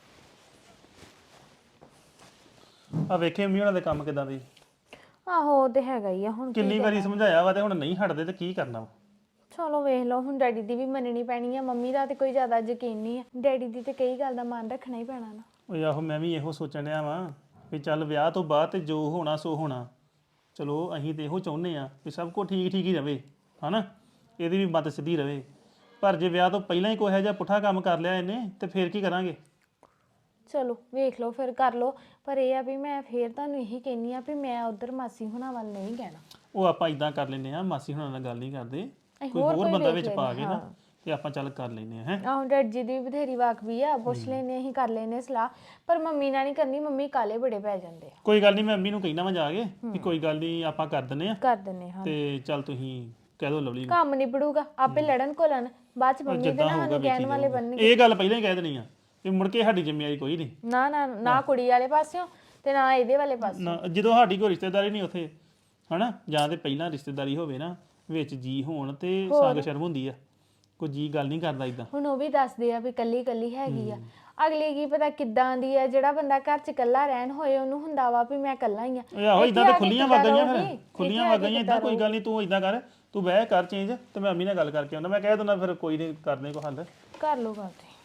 E: ਆ ਵੇਖੇ ਮੰਮੀ ਉਹਨਾਂ ਦੇ ਕੰਮ ਕਿਦਾਂ ਦੇ
B: ਆਹੋ ਉਹ ਤੇ ਹੈਗਾ ਹੀ ਆ ਹੁਣ
E: ਕਿੰਨੀ ਵਾਰੀ ਸਮਝਾਇਆ ਵਾ ਤੇ ਹੁਣ ਨਹੀਂ ਹਟਦੇ ਤੇ ਕੀ ਕਰਨਾ ਵਾ
B: ਚਲੋ ਵੇਖ ਲਓ ਹੁਣ ਡੈਡੀ ਦੀ ਵੀ ਮੰਨਣੀ ਪੈਣੀ ਆ ਮੰਮੀ ਦਾ ਤੇ ਕੋਈ ਜ਼ਿਆਦਾ ਯਕੀਨ ਨਹੀਂ ਆ ਡੈਡੀ ਦੀ ਤੇ ਕਈ ਗੱਲ ਦਾ ਮਾਨ ਰੱਖਣਾ ਹੀ ਪੈਣਾ ਨਾ
E: ਓਏ ਆਹੋ ਮੈਂ ਵੀ ਇਹੋ ਸੋਚਣ ਡਿਆ ਵਾਂ ਵੀ ਚੱਲ ਵਿਆਹ ਤੋਂ ਬਾਅਦ ਤੇ ਜੋ ਹੋਣਾ ਸੋ ਹੋਣਾ ਚਲੋ ਅਸੀਂ ਤੇ ਇਹੋ ਚਾਹੁੰਦੇ ਆ ਵੀ ਸਭ ਕੁਝ ਠੀਕ ਹੀ ਰਵੇ ਹਨਾ ਇਹਦੀ ਵੀ ਮੱਤ ਸਿੱਧੀ ਰਵੇ ਪਰ ਜੇ ਵਿਆਹ ਤੋਂ ਪਹਿਲਾਂ ਹੀ ਕੋਈ ਇਹੋ ਜਿਹਾ ਪੁੱਠਾ ਕੰਮ ਕਰ ਲਿਆ ਇਹਨੇ ਤੇ ਫੇਰ ਕੀ ਕਰਾਂਗੇ
B: ਚਲੋ ਵੇਖ ਲਓ ਫਿਰ ਕਰ ਲਓ ਪਰ ਇਹ ਆ ਵੀ ਮੈਂ ਫੇਰ ਤੁਹਾਨੂੰ ਇਹੀ ਕਹਿੰਨੀ ਆ ਵੀ ਮੈਂ ਉਧਰ ਮਾਸੀ ਹੁਣਾਂ ਵੱਲ ਨਹੀਂ ਕਹਿਣਾ
E: ਉਹ ਆਪਾਂ ਇਦਾਂ ਕਰ ਲੈਨੇ ਆ ਮਾਸੀ ਹੁਣਾਂ ਨਾਲ ਗੱਲ ਨਹੀਂ ਕਰਦੇ
B: ਅਸੀਂ
E: ਕੋਈ
B: ਹੋਰ
E: ਹੋਰ
B: ਕੋਈ
E: ਬੰਦਾ
B: ਵੇਖ
E: ਵਿੱਚ ਪਾ
B: ਲੈਂਦੇ
E: ਕੇ ਨਾ ਤੇ ਆਪਾਂ ਚੱਲ ਕਰ ਲੈਨੇ ਆ ਹੈ
B: ਆਹੋ ਡੈਡ ਜੀ ਦੀ ਵੀ ਬਥੇਰੀ ਵਾਕਬੀ ਆ ਪੁੱਛ ਲੈਨੇ ਅਸੀਂ ਕਰ ਲੈਨੇ ਸਲਾਹ ਪਰ ਮੰਮੀ ਨਾਲ ਨਹੀਂ ਕਰਨੀ ਮੰਮੀ ਕਾਲੇ ਬੜੇ ਪੈ ਜਾਂਦੇ ਆ
E: ਕੋਈ ਗੱਲ ਨਹੀਂ ਮੈਂ ਮੰਮੀ ਨੂੰ ਕਹਿਣਾ ਵਾ ਜਾ ਕੇ ਵੀ ਕੋਈ ਗੱਲ ਨਹੀਂ ਆਪਾਂ ਕਰ ਦਿੰਨੇ ਆ
B: ਕਰ ਦਿੰਨੇ ਹਾਂ
E: ਤੇ ਚੱਲ ਤੁਸੀਂ ਕਹਿ ਦਿਓ ਲਵਲੀ ਨੂੰ
B: ਕੰਮ ਨਿਬੜੂਗਾ ਆਪੇ ਲੜਨ ਕੋਲਣ ਬਾਅਦ ਚ ਮੰਮੀ ਦੇ
E: ਜਿੱਦਾਂ
B: ਨਾ
E: ਹੋਊਗਾ
B: ਸਾਨੂੰ
E: ਵੇਖੀ
B: ਕਹਿਣ ਵਾਲੇ
E: ਜਾਊਗਾ।
B: ਬਣਨਗੇ
E: ਇਹ ਗੱਲ ਪਹਿਲਾਂ ਹੀ ਕਹਿ ਦੇਣੀ ਆ ਵੀ ਮੁੜ ਕੇ ਸਾਡੀ ਜ਼ਿੰਮੇਵਾਰੀ ਕੋਈ ਨਹੀਂ
B: ਨਾ ਕੁੜੀ ਵਾਲੇ ਪਾਸਿਓਂ ਤੇ ਨਾ ਇਹਦੇ ਵਾਲੇ ਪਾਸੇ
E: ਨਾ ਜਦੋਂ ਸਾਡੀ ਕੋਈ ਰਿਸ਼ਤੇਦਾਰੀ ਨਹੀਂ ਉੱਥੇ ਹਨਾ ਜਾਂ ਤੇ ਪਹਿਲਾਂ ਰਿਸ਼ਤੇਦਾਰੀ ਹੋਵੇ ਨਾ ਵਿੱਚ ਜੀ ਹੋਣ ਤੇ ਸੰਗ ਸ਼ਰਮ ਹੁੰਦੀ ਆ ਕੋਈ ਜੀ ਗੱਲ ਨਹੀਂ ਕਰਦਾ ਇਦਾਂ
B: ਹੁਣ ਉਹ ਵੀ ਦੱਸਦੇ ਆ ਵੀ ਕੱਲੀ ਹੈਗੀ ਆ ਅਗਲੀ ਕੀ ਪਤਾ ਕਿੱਦਾਂ ਦੀ ਆ ਜਿਹੜਾ ਬੰਦਾ ਘਰ ਚ ਇਕੱਲਾ ਰਹਿਣ ਹੋਏ ਉਹਨੂੰ ਹੁੰਦਾ ਵਾ ਵੀ ਮੈਂ ਇਕੱਲਾ ਹੀ ਆ
E: ਓਏ ਆਹੋ ਇਦਾਂ ਤਾਂ ਖੁੱਲੀਆਂ ਵਗਾਈਆਂ ਫਿਰ ਖੁੱਲੀਆਂ ਵਗਾਈਆਂ ਇਦਾਂ ਕੋਈ ਗੱਲ ਨਹੀਂ ਤੂੰ ਇਦਾਂ ਕਰ ਤੂੰ ਬਹਿ ਕਰ ਚੇਂਜ ਤੇ ਮੈਂ ਅੰਮੀ ਨਾਲ ਗੱਲ ਕਰਕੇ ਆਉਂਦਾ ਮੈਂ ਕਹਿ ਦਿੰਦਾ ਫਿਰ ਕੋਈ ਨਹੀਂ ਕਰਦੇ ਕੋ ਹੱਲ
B: ਕਰ ਲੋ ਗੱਲ ਤੇ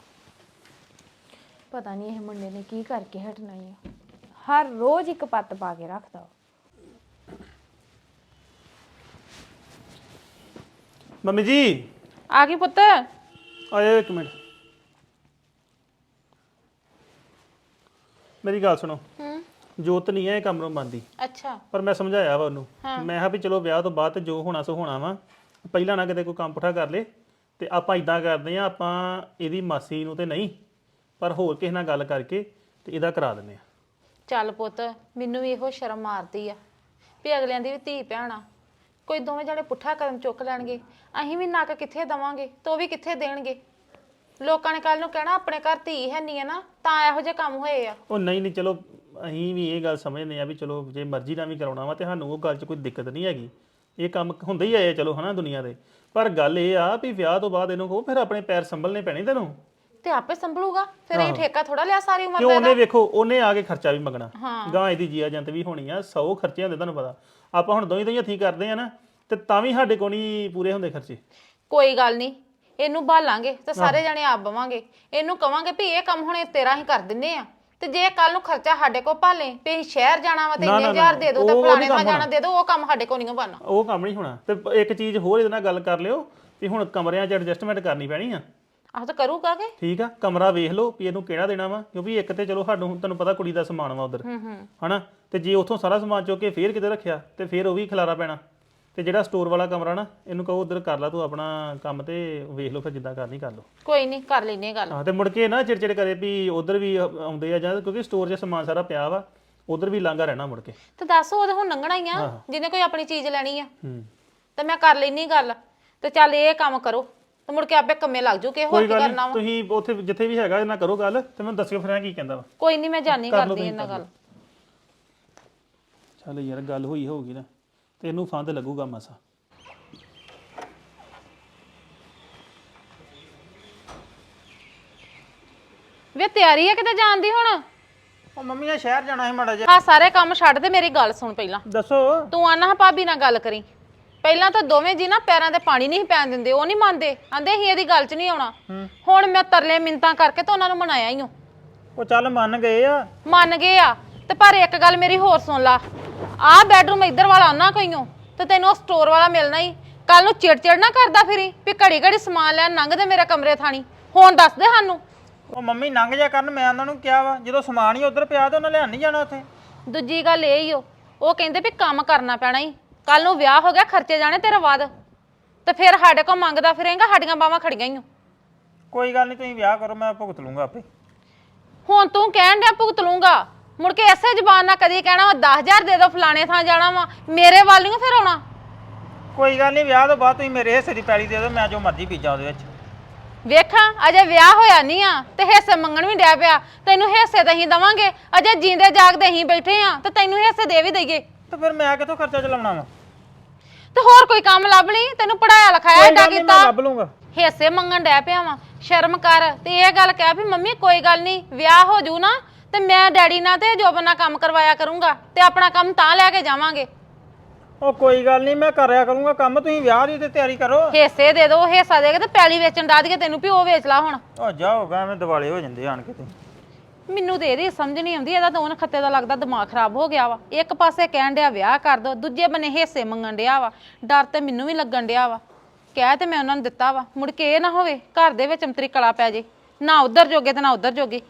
B: ਪਤਾ ਨਹੀਂ ਇਹ ਮੁੰਡੇ ਨੇ ਕੀ ਕਰਕੇ ਹਟਣਾ ਹੀ ਆ ਹਰ ਰੋਜ਼ ਇੱਕ ਪੱਤ ਪਾ ਕੇ ਰੱਖਦਾ
E: ਮੰਮੀ ਜੀ
A: ਆ ਗਈ ਪੁੱਤ।
E: ਆਇਓ ਇੱਕ ਮਿੰਟ। ਮੇਰੀ ਗੱਲ ਸੁਣੋ। ਜੋਤ ਨਹੀਂ ਹੈ ਇਹ ਕਮਰੋਂ ਬੰਦੀ,
A: ਅੱਛਾ
E: ਪਰ ਮੈਂ ਸਮਝਾਇਆ ਵਾ ਉਹਨੂੰ। ਮੈਂ ਕਿਹਾ ਵੀ ਚਲੋ ਵਿਆਹ ਤੋਂ ਬਾਅਦ ਤੇ ਜੋ ਹੋਣਾ ਸੋ ਹੋਣਾ ਵਾ, ਪਹਿਲਾਂ ਨਾ ਕਿਤੇ ਕੋਈ ਕੰਮ ਪੁੱਠਾ ਕਰ ਲੇ ਤੇ ਆਪਾਂ ਇਦਾਂ ਕਰਦੇ ਆ, ਆਪਾਂ ਇਹਦੀ ਮਾਸੀ ਨੂੰ ਤੇ ਨਹੀਂ ਪਰ ਹੋਰ ਕਿਸੇ ਨਾਲ ਗੱਲ ਕਰਕੇ ਤੇ ਇਹਦਾ ਕਰਾ ਦਿੰਦੇ ਆ।
A: ਚੱਲ ਪੁੱਤ, ਮੈਨੂੰ ਵੀ ਇਹੋ ਸ਼ਰਮ ਮਾਰਦੀ ਆ ਵੀ ਅਗਲਿਆਂ ਦੀ ਵੀ ਧੀ ਭੈਣ ਆ, ਕੋਈ ਦੋਵੇਂ ਜਣੇ ਪੁੱਠਾ ਕਦਮ ਚੁੱਕ ਲੈਣਗੇ, ਅਸੀਂ ਵੀ ਨੱਕ ਕਿੱਥੇ ਦਵਾਂਗੇ ਤੇ ਉਹ ਵੀ ਕਿੱਥੇ ਦੇਣਗੇ। ਲੋਕਾਂ ਨੇ ਕੱਲ ਨੂੰ ਕਹਿਣਾ ਆਪਣੇ ਘਰ ਧੀ ਹੈ ਨਹੀਂ ਹੈ ਨਾ, ਤਾਂ ਇਹੋ ਜਿਹੇ ਕੰਮ ਹੋਏ ਆ।
E: ਉਹ ਨਹੀਂ ਨਹੀਂ, ਚਲੋ ਅਸੀਂ ਵੀ ਇਹ ਗੱਲ ਸਮਝਦੇ ਆ ਵੀ ਚਲੋ ਜੇ ਮਰਜ਼ੀ ਨਾਲ ਵੀ ਕਰਾਉਣਾ ਵਾ ਤੇ ਸਾਨੂੰ ਉਹ ਗੱਲ 'ਚ ਕੋਈ ਦਿੱਕਤ ਨਹੀਂ ਹੈਗੀ, ਇਹ ਕੰਮ ਹੁੰਦੇ ਹੀ ਆਏ ਚਲੋ ਹਨਾ ਦੁਨੀਆ ਦੇ। ਪਰ ਗੱਲ ਇਹ ਆ ਵੀ ਵਿਆਹ ਤੋਂ ਬਾਅਦ ਇਹਨੂੰ ਕਹੋ ਫਿਰ ਆਪਣੇ ਪੈਰ ਸੰਭਲਨੇ ਪੈਣੇ ਤੈਨੂੰ।
A: ਤੇ ਆਪੇ ਸੰਭਲੂਗਾ ਫਿਰ, ਇਹ ਠੇਕਾ ਥੋੜਾ ਲਿਆ ਸਾਰੀ ਉਮਰ
E: ਕਿਉਂ?
A: ਦਾ।
E: ਉਹਨੇ ਵੇਖੋ ਉਹਨੇ ਆ ਕੇ ਖਰਚਾ ਵੀ ਮੰਗਣਾ, ਗਾਂ ਇਹਦੀ ਜੀਆ ਜੰਤ ਵੀ ਹੋਣੀ ਆ, 100 ਖਰਚੇ ਹੁੰਦੇ ਤੁਹਾਨੂੰ ਪਤਾ। ਆਪਾਂ ਹੁਣ ਦੋਈ ਹੱਥੀਂ ਕਰਦੇ ਆ ਨਾ ਤੇ ਤਾਂ ਵੀ ਸਾਡੇ ਕੋਲ ਨਹੀਂ ਪੂਰੇ ਹੁੰਦੇ ਖਰਚੇ।
A: ਕੋਈ ਗੱਲ ਨਹੀਂ, ਇਹਨੂੰ ਭਾਲਾਂਗੇ ਤੇ ਸਾਰੇ ਜਣੇ ਆਪ ਬਵਾਂਗੇ। ਇਹਨੂੰ ਕਵਾਂਗੇ ਵੀ ਇਹ ਕੰਮ ਹੁਣ ਤੇਰਾ ਹੀ ਕਰ ਦਿੰਨੇ ਆ, ਤੇ ਜੇ ਕੱਲ ਨੂੰ ਖਰਚਾ ਸਾਡੇ ਕੋਲ ਭਾਲੇ ਵੀ ਅਸੀਂ ਸ਼ਹਿਰ ਜਾਣਾ ਵਾ ਤੇ ਇੰਨੇ ਹਜ਼ਾਰ ਦੇ ਦਿਓ ਤੇ ਫਲਾਣੇ ਦਾ ਜਾਣਾ ਦੇ ਦਿਓ, ਉਹ ਕੰਮ ਸਾਡੇ ਕੋਲ ਨਹੀਂ ਬਣਨਾ।
E: ਉਹ ਕੰਮ ਨਹੀਂ ਹੋਣਾ। ਤੇ ਇੱਕ ਚੀਜ਼ ਹੋਰ ਇਹਦੇ ਨਾਲ ਗੱਲ ਕਰ ਲਿਓ ਵੀ ਹੁਣ ਕਮਰਿਆਂ 'ਚ ਐਡਜਸਟਮੈਂਟ ਕਰਨੀ ਪੈਣੀ ਆ।
A: ਆਹ ਤਾਂ ਕਰੂਗਾ ਕਿ
E: ਠੀਕ ਆ, ਕਮਰਾ ਵੇਖ ਲਓ ਵੀ ਇਹਨੂੰ ਕਿਹੜਾ ਦੇਣਾ ਵਾ, ਕਿਉਂਕਿ ਇੱਕ ਤੇ ਚਲੋ ਸਾਨੂੰ ਤੁਹਾਨੂੰ ਪਤਾ ਕੁੜੀ ਦਾ ਸਮਾਨ ਵਾ ਉਧਰ ਹਨਾ, ਤੇ ਜੇ ਉੱਥੋਂ ਸਾਰਾ ਸਮਾਨ ਚੁੱਕ ਕੇ ਫੇਰ ਕਿਤੇ ਰੱਖਿਆ ਤੇ ਫੇਰ ਉਹ ਵੀ ਖਿਲਾਰਾ ਪੈਣਾ। ਤੇ ਜਿਹੜਾ ਸਟੋਰ ਵਾਲਾ ਕਮਰਾ ਨਾ ਇਹਨੂੰ ਕਹੋ ਉਧਰ ਕਰ ਲਾ ਤੂੰ ਆਪਣਾ ਕੰਮ ਤੇ ਵੇਖ ਲਓ ਫਿਰ ਜਿੱਦਾਂ ਕਰਨੀ ਕਰ ਲਓ।
A: ਕੋਈ ਨਹੀਂ, ਕਰ ਲੈਨੇ ਗੱਲ।
E: ਹਾਂ, ਤੇ ਮੁੜ ਕੇ ਨਾ ਚਿੜਚਿੜ ਕਰੇ ਵੀ ਉਧਰ ਵੀ ਆਉਂਦੇ ਆ ਜਾਂ, ਕਿਉਂਕਿ ਸਟੋਰ 'ਚ ਸਮਾਨ ਸਾਰਾ ਪਿਆ ਵਾ, ਉਧਰ ਵੀ ਲਾਂਘਾ ਰਹਿਣਾ ਮੁੜ ਕੇ।
A: ਤੇ ਦੱਸ ਉਹਦੇ ਹੁਣ ਲੰਘਣਾ ਹੀ ਆ, ਜਿਹਨੇ ਕੋਈ ਆਪਣੀ ਚੀਜ਼ ਲੈਣੀ ਆ।
E: ਹੂੰ,
A: ਤੇ ਮੈਂ ਕਰ ਲੈਨੀ ਗੱਲ, ਤੇ ਚੱਲ ਇਹ ਕੰਮ ਕਰੋ ਤੇ ਮੁੜ ਕੇ ਆਪੇ ਕੰਮੇ ਲੱਗ ਜੂ ਕਿ ਹੋਰ
E: ਕੋਈ
A: ਕੀ
E: ਗੱਲ
A: ਕਰਨਾ
E: ਨਹੀਂ,
A: ਵਾ।
E: ਤੁਸੀਂ ਉੱਥੇ ਜਿੱਥੇ ਵੀ ਹੈਗਾ ਇਹਨਾਂ ਕਰੋ ਗੱਲ ਤੇ ਮੈਨੂੰ ਦੱਸਿਓ ਫਿਰ ਕੀ ਕਹਿੰਦਾ ਵਾ।
A: ਕੋਈ ਨਹੀਂ, ਮੈਂ ਜਾਣੀ
E: ਕਰ ਲਓ
A: ਕਰਦੀ
E: ਤੁਸੀਂ,
A: ਇਹਨਾਂ
E: ਕਰ
A: ਗੱਲ।
E: ਚੱਲ ਯਾਰ ਗੱਲ ਹੋਈ ਹੋਊਗੀ ਨਾ ਤੇ ਇਹਨੂੰ ਫੰਦ ਲੱਗੂਗਾ ਮਸਾ।
A: ਵੇ ਤਿਆਰੀ ਆ ਕਿਤੇ ਜਾਣ ਦੀ ਹੁਣ?
C: ਉਹ ਮੰਮੀ ਆ ਸ਼ਹਿਰ ਜਾਣਾ ਸੀ ਮਾੜਾ ਜਿਹਾ।
A: ਹਾਂ, ਸਾਰੇ ਕੰਮ ਛੱਡ ਤੇ ਮੇਰੀ ਗੱਲ ਸੁਣ ਪਹਿਲਾਂ।
C: ਦੱਸੋ।
A: ਤੂੰ ਆਨਾ ਹਾਂ ਭਾਬੀ ਨਾਲ ਗੱਲ ਕਰੀ। ਪਹਿਲਾਂ ਤਾਂ ਦੋਵੇਂ ਜੀ ਨਾ ਪੈਰਾਂ ਤੇ ਪਾਣੀ ਨਹੀਂ ਪੈਣ ਦਿੰਦੇ, ਉਹ ਨਹੀਂ ਮੰਨਦੇ, ਆਂਦੇ ਹੀ ਇਹਦੀ ਗੱਲ 'ਚ ਨਹੀਂ ਆਉਣਾ। ਹੁਣ ਮੈਂ ਤਰਲੇ ਮਿੰਤਾਂ ਕਰਕੇ ਤਾਂ ਉਹਨਾਂ ਨੂੰ ਮਨਾਇਆ ਹੀ ਹਾਂ।
C: ਉਹ ਚੱਲ ਮੰਨ ਗਏ ਆ।
A: ਮੰਨ ਗਏ ਆ ਤੇ ਪਰ ਇੱਕ ਗੱਲ ਮੇਰੀ ਹੋਰ ਸੁਣ ਲਾ, ਆਹ ਬੈਡਰੂਮ ਇੱਧਰ ਵਾਲਾ ਉਹਨਾਂ ਕੋਈਓ ਤੇ ਤੈਨੂੰ ਉਹ ਸਟੋਰ ਵਾਲਾ ਮਿਲਣਾ ਹੀ। ਕੱਲ ਨੂੰ ਚਿੜਚਿੜ ਨਾ ਕਰਦਾ ਫਿਰੀ ਵੀ ਘੜੀ ਘੜੀ ਸਮਾਨ ਲੈਣ ਲੰਘਦੇ ਮੇਰੇ ਕਮਰੇ ਥਾਣੀ। ਹੁਣ ਦੱਸ ਦੇ ਸਾਨੂੰ।
C: ਉਹ ਮੰਮੀ ਲੰਘ ਜਾ ਕਰਨ, ਮੈਂ ਉਹਨਾਂ ਨੂੰ ਕਿਹਾ ਵਾ ਜਦੋਂ ਸਮਾਨ ਹੀ ਉਧਰ ਪਿਆ ਤੇ ਉਹਨਾਂ ਲਿਆਣ ਨਹੀਂ ਜਾਣਾ ਉੱਥੇ।
A: ਦੂਜੀ ਗੱਲ ਇਹ ਹੀ ਉਹ ਕਹਿੰਦੇ ਵੀ ਕੰਮ ਕਰਨਾ ਪੈਣਾ ਹੀ, ਕੱਲ ਨੂੰ ਵਿਆਹ ਹੋ ਗਿਆ ਖਰਚੇ ਜਾਣੇ ਤੇਰੇ ਬਾਅਦ, ਤੇ ਫਿਰ ਸਾਡੇ ਕੋਲ ਮੰਗਦਾ ਫਿਰੇਂਗਾ, ਸਾਡੀਆਂ ਬਾਹਾਂ ਖੜੀਆਂ ਹੀ।
C: ਕੋਈ ਗੱਲ ਨਹੀਂ, ਤੁਸੀਂ ਵਿਆਹ ਕਰੋ, ਮੈਂ ਭੁਗਤ ਲੂੰਗਾ ਆਪੇ।
A: ਹੁਣ ਤੂੰ ਕਹਿਣ ਡਿਆ ਭੁਗਤ ਲੂੰਗਾ, ਮੁੜ ਕੇ ਐਸੇ ਜ਼ਬਾਨ ਨਾਲ ਕਦੀ ਕਹਿਣਾ ਵਾ 10,000 ਦੇ ਦੋ ਫਲਾਣੇ ਥਾਂ ਜਾਣਾ ਵਾ, ਮੇਰੇ ਵੱਲ ਨਹੀਂ ਫਿਰ ਆਉਣਾ।
C: ਕੋਈ ਗੱਲ ਨਹੀਂ, ਵਿਆਹ ਤੋਂ ਬਾਅਦ ਤੁਸੀਂ ਮੇਰੇ ਹਿੱਸੇ ਦੀ ਪੈਲੀ ਦੇ ਦਿਓ, ਮੈਂ ਜੋ ਮਰਜ਼ੀ ਬੀਜਾਂ ਉਹਦੇ ਵਿੱਚ।
A: ਵੇਖਾਂ ਅਜੇ ਵਿਆਹ ਹੋਇਆ ਨਹੀਂ ਆ ਤੇ ਹਿੱਸੇ ਮੰਗਣ ਵੀ ਡਿਆ ਪਿਆ। ਤੈਨੂੰ ਹਿੱਸੇ ਤਾਂ ਅਸੀਂ ਦਵਾਂਗੇ, ਅਜੇ ਜੀਂਦੇ ਜਾਗਦੇ ਅਸੀਂ ਬੈਠੇ ਆ ਤੇ ਤੈਨੂੰ ਹਿੱਸੇ ਦੇ ਵੀ ਦਈਏ।
C: ਤੇ ਫਿਰ ਮੈਂ ਕਿੱਥੋਂ ਖਰਚਾ ਚਲਾਉਣਾ ਵਾ?
A: ਤੇ ਹੋਰ ਕੋਈ ਕੰਮ ਲੱਭ ਲਈ, ਤੈਨੂੰ ਪੜਾਇਆ ਲਿਖਾਇਆ ਏਡਾ
C: ਮੈਂ
A: ਕੀਤਾ,
C: ਲੱਭ ਲੂੰਗਾ।
A: ਹਿੱਸੇ ਮੰਗਣ ਡਿਆ ਪਿਆ ਵਾ। ਸ਼ਰਮ ਕਰ ਤੇ ਇਹ ਗੱਲ ਕਹਿ ਵੀ ਮੰਮੀ ਕੋਈ ਗੱਲ ਨਹੀਂ, ਵਿਆਹ ਹੋ ਜੂ ਨਾ ਤੇ ਮੈਂ ਡੈਡੀ ਨਾਲ ਤੇ ਜੋਬਨ ਨਾਲ ਕੰਮ ਕਰਵਾਇਆ ਕਰੂੰਗਾ ਤੇ ਆਪਣਾ ਕੰਮ ਤਾਂ ਲੈ ਕੇ ਜਾਵਾਂਗੇ।
C: ਉਹ ਕੋਈ ਗੱਲ ਨਹੀਂ, ਮੈਂ ਕਰਿਆ ਕਰੂੰਗਾ ਕੰਮ, ਤੁਸੀਂ ਵਿਆਹ ਦੀ ਤੇ ਤਿਆਰੀ ਕਰੋ।
A: ਹਿੱਸੇ ਦੇ ਦੋ, ਹਿੱਸਾ ਦੇ ਕੇ ਤੇ ਪੈਲੀ ਵੇਚਣ ਡਾ ਦਈਏ ਤੈਨੂੰ ਵੀ ਉਹ ਵੇਚ ਲਾ ਹੁਣ।
C: ਉਹ ਜਾਓਗਾ, ਐਵੇਂ ਦਿਵਾਲੇ ਹੋ ਜਾਂਦੇ ਆਣ ਕੇ ਤੇ।
A: ਮੈਨੂੰ ਤੇ ਇਹਦੀ ਸਮਝ ਨਹੀਂ ਆਉਂਦੀ, ਇਹਦਾ ਦੋਨ ਖੱਤੇ ਦਾ ਲੱਗਦਾ ਦਿਮਾਗ ਖਰਾਬ ਹੋ ਗਿਆ ਵਾ। ਇੱਕ ਪਾਸੇ ਕਹਿਣ ਡਿਆ ਵਿਆਹ ਕਰ ਦੋ, ਦੂਜੇ ਬੰਨੇ ਹਿੱਸੇ ਮੰਗਣ ਡਿਆ ਵਾ। ਡਰ ਤੇ ਮੈਨੂੰ ਵੀ ਲੱਗਣ ਡਿਆ ਵਾ, ਕਹਿ ਤੇ ਮੈਂ ਉਹਨਾਂ ਨੂੰ ਦਿੱਤਾ ਵਾ, ਮੁੜ ਕੇ ਇਹ ਨਾ ਹੋਵੇ ਘਰ ਦੇ ਵਿੱਚ ਅੰਤਰੀ ਕਲਾ ਪੈ ਜੇ, ਨਾ ਉਧਰ ਜੋਗੇ ਤੇ ਨਾ ਉਧਰ ਜੋਗੇ।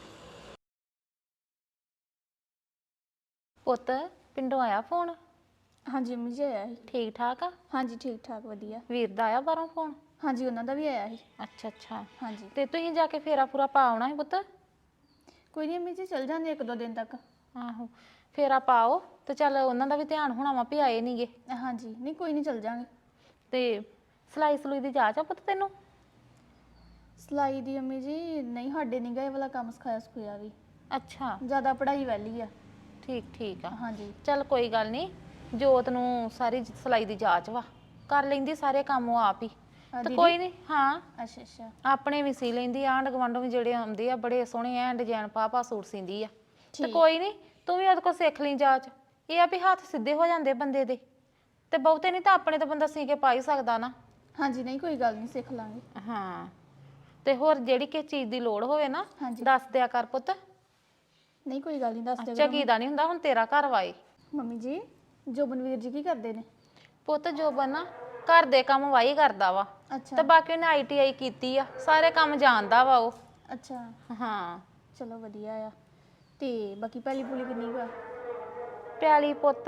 A: ਪੁੱਤ ਪਿੰਡੋਂ ਆਇਆ ਫੋਨ?
F: ਹਾਂਜੀ ਮੰਮੀ ਜੀ ਆਇਆ ਸੀ।
A: ਠੀਕ ਠਾਕ ਆ?
F: ਹਾਂਜੀ ਠੀਕ ਠਾਕ ਵਧੀਆ।
A: ਵੀਰ ਦਾ ਆਇਆ ਬਾਹਰੋਂ ਫੋਨ?
F: ਹਾਂਜੀ ਉਹਨਾਂ ਦਾ ਵੀ ਆਇਆ ਸੀ।
A: ਅੱਛਾ ਅੱਛਾ।
F: ਹਾਂਜੀ
A: ਤੇ ਤੁਸੀਂ ਜਾ ਕੇ ਫੇਰਾ ਪੂਰਾ ਪਾ ਆਉਣਾ ਹੈ ਪੁੱਤ?
F: ਕੋਈ ਨਹੀਂ ਮੰਮੀ ਜੀ ਚੱਲ ਜਾਂਦੇ ਇੱਕ ਦੋ ਦਿਨ ਤੱਕ।
A: ਆਹੋ, ਫੇਰਾ ਪਾਓ ਤੇ ਚੱਲ ਉਹਨਾਂ ਦਾ ਵੀ ਧਿਆਨ ਹੋਣਾ ਵਾ ਵੀ ਆਏ ਨਹੀਂਗੇ।
F: ਹਾਂਜੀ ਨਹੀਂ ਕੋਈ ਨਹੀਂ ਚੱਲ ਜਾਂਗੇ।
A: ਤੇ ਸਲਾਈ ਸਲੂਈ ਦੀ ਜਾਚ ਆ ਪੁੱਤ ਤੈਨੂੰ?
F: ਸਿਲਾਈ ਦੀ ਮੰਮੀ ਜੀ ਨਹੀਂ, ਸਾਡੇ ਨਹੀਂ ਗਏ ਵਾਲਾ ਕੰਮ ਸਿਖਾਇਆ ਸਿਖਾਇਆ ਵੀ,
A: ਅੱਛਾ
F: ਜ਼ਿਆਦਾ ਪੜ੍ਹਾਈ ਵਾਲੀ ਆ।
A: ਠੀਕ ਠੀਕ ਆ।
F: ਹਾਂਜੀ
A: ਚੱਲ ਕੋਈ ਗੱਲ ਨਹੀਂ, ਜੋਤ ਨੂੰ ਸਾਰੀ ਸਲਾਈ ਦੀ ਜਾਚ ਵਾ, ਕਰ ਲੈਂਦੀ ਸਾਰੇ ਕੰਮ ਉਹ ਆਪ ਹੀ। ਤੇ ਕੋਈ ਨਹੀਂ, ਹਾਂ
F: ਅੱਛਾ ਅੱਛਾ
A: ਆਪਣੇ ਵੀ ਸੀ ਲੈਂਦੀ, ਆਂਢ ਗੁਆਂਢੋਂ ਵੀ ਜਿਹੜੇ ਆਉਂਦੇ ਆ ਬੜੇ ਸੋਹਣੇ ਐ ਡਿਜ਼ਾਈਨ ਪਾ ਸੂਟ ਸੀਂਦੀ ਆ। ਤੇ ਕੋਈ ਨਹੀਂ, ਤੂੰ ਵੀ ਉਹਦੇ ਕੋਲ ਸਿੱਖ ਲਈ ਜਾਚ। ਇਹ ਆ ਵੀ ਹੱਥ ਸਿੱਧੇ ਹੋ ਜਾਂਦੇ ਬੰਦੇ ਦੇ, ਤੇ ਬਹੁਤੇ ਨਹੀਂ ਤਾਂ ਆਪਣੇ ਤਾਂ ਬੰਦਾ ਸੀ ਕੇ ਪਾ ਹੀ ਸਕਦਾ ਨਾ।
F: ਹਾਂਜੀ ਨਹੀਂ ਕੋਈ ਗੱਲ ਨਹੀਂ, ਸਿੱਖ ਲਾਂਗੇ।
A: ਹਾਂ, ਤੇ ਹੋਰ ਜਿਹੜੀ ਕਿਸ ਚੀਜ਼ ਦੀ ਲੋੜ ਹੋਵੇ ਨਾ ਦੱਸ ਦਿਆ ਕਰ ਪੁੱਤ।
F: ਨਹੀਂ ਕੋਈ ਗੱਲ ਨਹੀਂ, ਦੱਸ ਦਿਓ।
A: ਝਕੀ ਦਾ ਨਹੀਂ ਹੁੰਦਾ, ਹੁਣ ਤੇਰਾ ਘਰ ਵਾਏ।
F: ਮੰਮੀ ਜੀ ਜੋਬਨਵੀਰ ਜੀ ਕੀ ਕਰਦੇ ਨੇ?
A: ਪੁੱਤ ਜੋਬਨ ਨਾ ਘਰ ਦੇ ਕੰਮ ਵਾਹੀ ਕਰਦਾ ਵਾ
F: ਅੱਛਾ
A: ਤੇ ਬਾਕੀ ਉਹਨੇ ਆਈਟੀਆਈ ਕੀਤੀ ਆ, ਸਾਰੇ ਕੰਮ ਜਾਣਦਾ ਵਾ ਉਹ।
F: ਅੱਛਾ
A: ਹਾਂ
F: ਚਲੋ ਵਧੀਆ ਆ। ਤੇ ਬਾਕੀ ਪਹਿਲੀ ਪੁਲੀ ਕਿੰਨੀ ਕੁ ਆ?
A: ਪਿਆਲੀ ਪੁੱਤ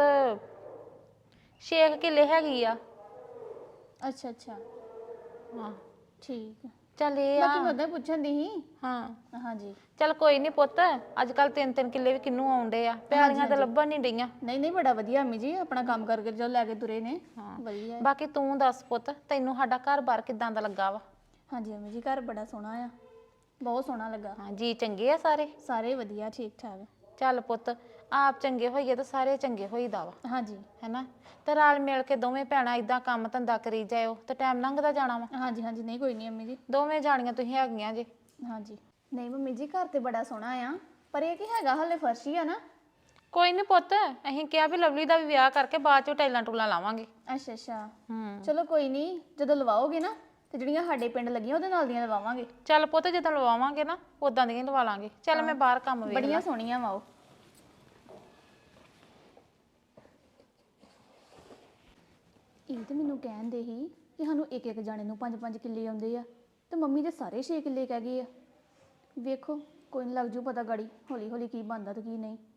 A: 6 ਕਿੱਲੇ ਹੈਗੀ ਆ।
F: ਅੱਛਾ ਅੱਛਾ
A: ਹਾਂ
F: ਠੀਕ ਆ।
A: ਚੱਲ ਇਹ ਆ
F: ਬਾਕੀ ਮੈਂ ਉਦਾਂ ਹੀ ਪੁੱਛਣ ਦੀ ਸੀ।
A: ਹਾਂ
F: ਹਾਂਜੀ
A: ਚੱਲ ਕੋਈ ਨਹੀਂ ਪੁੱਤ, ਅੱਜ ਕੱਲ 3-3 ਕਿੱਲੇ ਵੀ ਕਿੰਨੂੰ ਆਉਂਦੇ ਆ, ਪਿਆਲੀਆਂ ਤਾਂ ਲੱਭਣ ਨਹੀਂ ਡਈਆਂ।
F: ਨਹੀਂ ਨਹੀਂ ਬੜਾ ਵਧੀਆ ਅੰਮੀ ਜੀ, ਆਪਣਾ ਕੰਮ ਕਰਕੇ ਜੋ ਲੈ ਕੇ ਤੁਰੇ ਨੇ ਵਧੀਆ ਹੈ।
A: ਬਾਕੀ ਤੂੰ ਦੱਸ ਪੁੱਤ, ਤੈਨੂੰ ਸਾਡਾ ਘਰ-ਬਾਰ ਕਿਦਾਂ ਦਾ ਲੱਗਾ ਵਾ?
F: ਹਾਂਜੀ ਅੰਮੀ ਜੀ ਘਰ ਬੜਾ ਸੋਹਣਾ ਆ, ਬਹੁਤ ਸੋਹਣਾ ਲੱਗਾ।
A: ਹਾਂ ਜੀ ਚੰਗੇ ਆ ਸਾਰੇ?
F: ਸਾਰੇ ਵਧੀਆ ਠੀਕ ਠਾਕ।
A: ਚੱਲ ਪੁੱਤ, ਆਪ ਚੰਗੇ ਹੋਈਏ ਤਾਂ ਸਾਰੇ ਚੰਗੇ ਹੋਈਦਾ ਵਾ,
F: ਹਾਂਜੀ
A: ਹੈਨਾ? ਤੇ ਰਲ ਮਿਲ ਕੇ ਦੋਵੇਂ ਭੈਣਾਂ ਇਦਾਂ ਕੰਮ ਧੰਦਾ ਕਰੀ ਜਾਇਓ ਤੇ ਟਾਈਮ ਲੰਘਦਾ ਜਾਣਾ ਵਾ।
F: ਹਾਂਜੀ ਹਾਂਜੀ ਨਹੀਂ ਕੋਈ ਨਹੀਂ ਅੰਮੀ ਜੀ।
A: ਦੋਵੇਂ ਜਾਣੀਆਂ ਤੁਸੀਂ ਹੈਗੀਆਂ ਜੇ।
F: ਹਾਂਜੀ ਨਹੀਂ ਮੰਮੀ ਜੀ ਘਰ ਤੇ ਬੜਾ ਸੋਹਣਾ ਆ, ਪਰ ਇਹ ਕੀ ਹੈਗਾ ਹਲੇ ਫਰਸ਼ ਹੀ ਆ ਨਾ।
A: ਕੋਈ ਨਹੀਂ ਪੁੱਤ, ਅਸੀਂ ਕਿਹਾ ਵੀ ਲਵਲੀ ਦਾ ਵੀ ਵਿਆਹ ਕਰਕੇ ਬਾਅਦ ਚੋਂ ਟਾਈਲਾਂ ਟੂਲਾਂ ਲਾਵਾਂਗੇ।
F: ਅੱਛਾ ਅੱਛਾ
A: ਹੂੰ
F: ਚਲੋ ਕੋਈ ਨਹੀਂ, ਜਦੋਂ ਲਵਾਓਗੇ ਨਾ ਤੇ ਜਿਹੜੀਆਂ ਸਾਡੇ ਪਿੰਡ ਲੱਗੀਆਂ ਉਹਦੇ ਨਾਲ ਦੀਆਂ ਲਵਾਵਾਂਗੇ।
A: ਚੱਲ ਪੁੱਤ, ਜਦੋਂ ਲਵਾਵਾਂਗੇ ਨਾ ਉਦਾਂ ਦੀਆਂ ਹੀ ਲਵਾ ਲਾਂਗੇ। ਚੱਲ ਮੈਂ ਬਾਹਰ ਕੰਮ ਵੇਖ
F: ਬੜੀਆਂ ਸੋਹਣੀਆਂ ਵਾ ਉਹ। ਇਹ ਤੇ ਮੈਨੂੰ ਕਹਿੰਦੇ ਸੀ ਕਿ ਸਾਨੂੰ ਇੱਕ ਇੱਕ ਜਾਣੇ ਨੂੰ 5-5 ਕਿੱਲੇ ਆਉਂਦੇ ਆ, ਤੇ ਮੰਮੀ ਦੇ ਸਾਰੇ 6 ਕਿੱਲੇ ਕਹਿ ਗਏ ਆ। ਵੇਖੋ ਕੋਈ ਨਹੀਂ ਲੱਗ ਜੂ ਪਤਾ ਗਾੜੀ ਹੌਲੀ ਹੌਲੀ ਕੀ ਬਣਦਾ ਤੇ ਕੀ ਨਹੀਂ।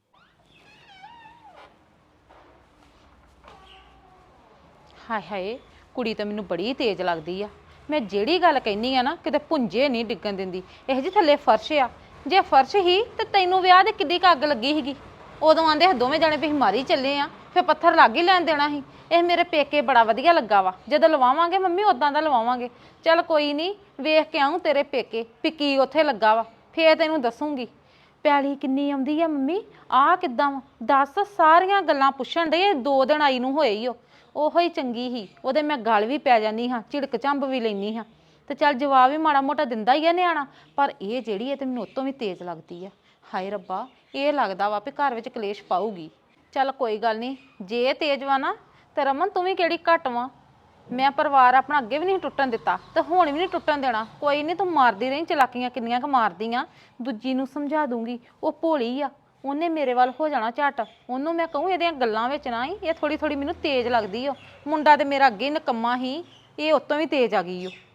A: ਹਾਏ ਹਾਏ, ਕੁੜੀ ਤਾਂ ਮੈਨੂੰ ਬੜੀ ਤੇਜ਼ ਲੱਗਦੀ ਆ। ਮੈਂ ਜਿਹੜੀ ਗੱਲ ਕਹਿਨੀ ਆ ਨਾ, ਕਿਤੇ ਪੁੰਜੇ ਨਹੀਂ ਡਿੱਗਣ ਦਿੰਦੀ। ਇਹ ਜੀ ਥੱਲੇ ਫਰਸ਼ ਆ, ਜੇ ਫਰਸ਼ ਹੀ ਤੇ ਤੈਨੂੰ ਵਿਆਹ ਦੇ ਕਿੱਡੀ ਕੁ ਅੱਗ ਲੱਗੀ ਸੀਗੀ? ਉਦੋਂ ਆਂਦੇ ਦੋਵੇਂ ਜਣੇ ਵੀ ਮਾਰੀ ਚੱਲੇ ਆ, ਫਿਰ ਪੱਥਰ ਲੱਗ ਹੀ ਲੈਣ ਦੇਣਾ ਸੀ। ਇਹ ਮੇਰੇ ਪੇਕੇ ਬੜਾ ਵਧੀਆ ਲੱਗਾ ਵਾ, ਜਦੋਂ ਲਵਾਵਾਂਗੇ ਮੰਮੀ ਉਦਾਂ ਦਾ ਲਵਾਵਾਂਗੇ। ਚੱਲ ਕੋਈ ਨਹੀਂ, ਵੇਖ ਕੇ ਆਊਂ ਤੇਰੇ ਪੇਕੇ ਵੀ ਕੀ ਉੱਥੇ ਲੱਗਾ ਵਾ, ਫੇਰ ਤੈਨੂੰ ਦੱਸੂਗੀ। ਪੈਲੀ ਕਿੰਨੀ ਆਉਂਦੀ ਆ ਮੰਮੀ, ਆਹ ਕਿੱਦਾਂ ਵਾ ਦੱਸ? ਸਾਰੀਆਂ ਗੱਲਾਂ ਪੁੱਛਣ ਦੇ, 2 ਦਿਨ ਆਈ ਨੂੰ ਹੋਏ ਹੀ ਉਹੋ ਹੀ ਚੰਗੀ ਸੀ, ਉਹਦੇ ਮੈਂ ਗਲ ਵੀ ਪੈ ਜਾਂਦੀ ਹਾਂ, ਝਿੜਕ ਝੰਬ ਵੀ ਲੈਂਦੀ ਹਾਂ, ਤੇ ਚੱਲ ਜਵਾਬ ਵੀ ਮਾੜਾ ਮੋਟਾ ਦਿੰਦਾ ਹੀ ਆ ਨਿਆਣਾ। ਪਰ ਇਹ ਜਿਹੜੀ ਹੈ ਤੇ ਮੈਨੂੰ ਉਹ ਤੋਂ ਵੀ ਤੇਜ਼ ਲੱਗਦੀ ਆ। ਹਾਏ ਰੱਬਾ, ਇਹ ਲੱਗਦਾ ਵਾ ਵੀ ਘਰ ਵਿੱਚ ਕਲੇਸ਼ ਪਾਊਗੀ। ਚੱਲ ਕੋਈ ਗੱਲ ਨਹੀਂ, ਜੇ ਤੇਜ਼ ਵਾ ਨਾ ਤੇ ਰਮਨ ਤੂੰ ਵੀ ਕਿਹੜੀ ਘੱਟ ਵਾ। ਮੈਂ ਪਰਿਵਾਰ ਆਪਣਾ ਅੱਗੇ ਵੀ ਨਹੀਂ ਟੁੱਟਣ ਦਿੱਤਾ ਤੇ ਹੁਣ ਵੀ ਨਹੀਂ ਟੁੱਟਣ ਦੇਣਾ। ਕੋਈ ਨਹੀਂ, ਤੂੰ ਮਾਰਦੀ ਰਹੀ ਚਲਾਕੀਆਂ, ਕਿੰਨੀਆਂ ਕੁ ਮਾਰਦੀ ਆ। ਦੂਜੀ ਨੂੰ ਸਮਝਾ ਦੂੰਗੀ, ਉਹ ਭੋਲੀ ਆ, ਉਹਨੇ ਮੇਰੇ ਵੱਲ ਹੋ ਜਾਣਾ ਝੱਟ। ਉਹਨੂੰ ਮੈਂ ਕਹੂੰ ਇਹਦੀਆਂ ਗੱਲਾਂ ਵਿੱਚ ਨਾ ਹੀ, ਇਹ ਥੋੜੀ ਥੋੜੀ ਮੈਨੂੰ ਤੇਜ਼ ਲੱਗਦੀ ਓ। ਮੁੰਡਾ ਤੇ ਮੇਰਾ ਅੱਗੇ ਨਕੰਮਾ ਹੀ, ਇਹ ਉਤੋਂ ਵੀ ਤੇਜ਼ ਆ ਗਈ ਓ।